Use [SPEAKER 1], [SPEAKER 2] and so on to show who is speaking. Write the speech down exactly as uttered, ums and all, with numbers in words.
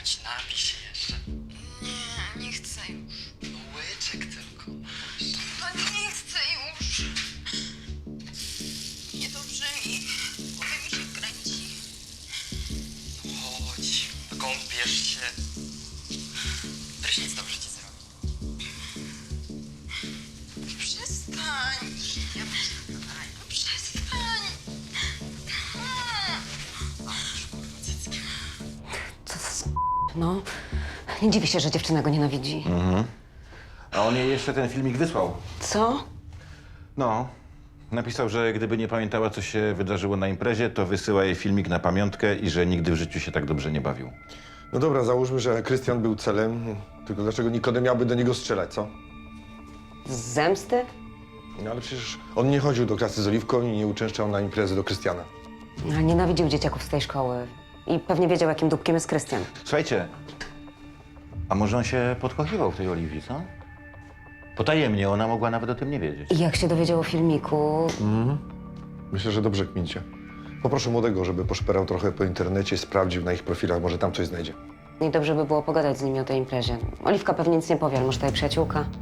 [SPEAKER 1] grać, napij się jeszcze.
[SPEAKER 2] Nie, nie chcę już.
[SPEAKER 1] No łyczek tylko.
[SPEAKER 2] No nie chcę już. Niedobrze mi. Głowa mi się kręci.
[SPEAKER 1] Chodź, kąpiesz się. Prysznic dobrze ci zrobi.
[SPEAKER 2] Przestań.
[SPEAKER 1] Ja przestań.
[SPEAKER 2] No przestań.
[SPEAKER 1] Cycki.
[SPEAKER 3] Co za s- No, nie dziwię się, że dziewczyna go nienawidzi.
[SPEAKER 4] A on jej jeszcze ten filmik wysłał.
[SPEAKER 3] Co?
[SPEAKER 4] No. Napisał, że gdyby nie pamiętała, co się wydarzyło na imprezie, to wysyła jej filmik na pamiątkę i że nigdy w życiu się tak dobrze nie bawił.
[SPEAKER 5] No dobra, załóżmy, że Krystian był celem, tylko dlaczego Nikodem miałby do niego strzelać, co?
[SPEAKER 3] Z zemsty?
[SPEAKER 5] No ale przecież on nie chodził do klasy z Oliwką i nie uczęszczał na imprezy do Krystiana.
[SPEAKER 3] No, nienawidził dzieciaków z tej szkoły. I pewnie wiedział, jakim dupkiem jest Krystian.
[SPEAKER 4] Słuchajcie, a może on się podkochiwał w tej Oliwii, co? Potajemnie, ona mogła nawet o tym nie wiedzieć.
[SPEAKER 3] I jak się dowiedział o filmiku,
[SPEAKER 5] Myślę, że dobrze kmincie. Poproszę młodego, żeby poszperał trochę po internecie, sprawdził na ich profilach, może tam coś znajdzie.
[SPEAKER 3] i dobrze by było pogadać z nimi o tej imprezie. Oliwka pewnie nic nie powie, ale może to jej przyjaciółka.